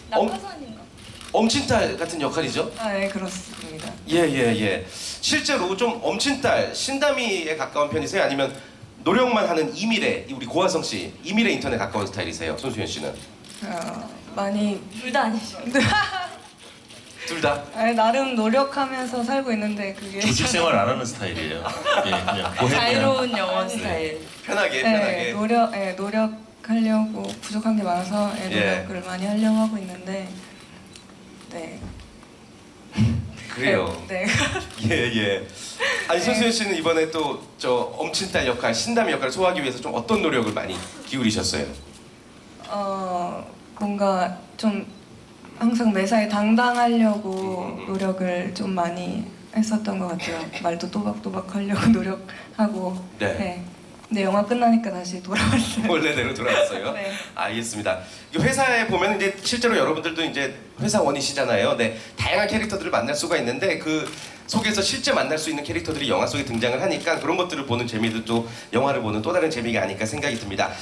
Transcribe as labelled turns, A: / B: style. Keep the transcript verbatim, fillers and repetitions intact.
A: 엄-
B: 낙하산인가?
A: 엄친딸 같은 역할이죠?
C: 아, 네, 그렇습니다.
A: 예예예. 예. 실제로 좀 엄친딸 신다미에 가까운 편이세요? 아니면 노력만 하는 이미래, 우리 고화성 씨 이미래 인턴에 가까운 스타일이세요? 손수현 씨는?
C: 어, 많이
B: 둘 다 아니죠.
A: 둘 다?
C: 아니, 나름 노력하면서 살고 있는데 그게
D: 조직 생활 안 하는 스타일이에요. 예, 그냥 보헤미안.
B: 자유로운 영혼 스타일.
A: 편하게
C: 네,
A: 편하게.
C: 노력, 네, 노력하려고 부족한 게 많아서 네,
A: 예.
C: 노력을 많이 하려고 하고 있는데 네.
A: 그래요.
C: 네.
A: 예예. 아니 손수현 씨는 이번에 또 저 엄친딸 역할, 신다미 역할을 소화하기 위해서 좀 어떤 노력을 많이 기울이셨어요?
C: 어, 뭔가 좀 항상 매사에 당당하려고
A: 음, 음, 음.
C: 노력을 좀 많이 했었던 것 같아요. 말도 또박또박 하려고 노력하고.
A: 네.
C: 근데 영화 끝나니까 다시 돌아왔어요.
A: 원래대로 돌아왔어요.
C: 네.
A: 알겠습니다. 이 회사에 보면 이제 실제로 여러분들도 이제 회사원이시잖아요. 네, 다양한 캐릭터들을 만날 수가 있는데 그 속에서 실제 만날 수 있는 캐릭터들이 영화 속에 등장을 하니까 그런 것들을 보는 재미도 또 영화를 보는 또 다른 재미가 아닐까 생각이 듭니다.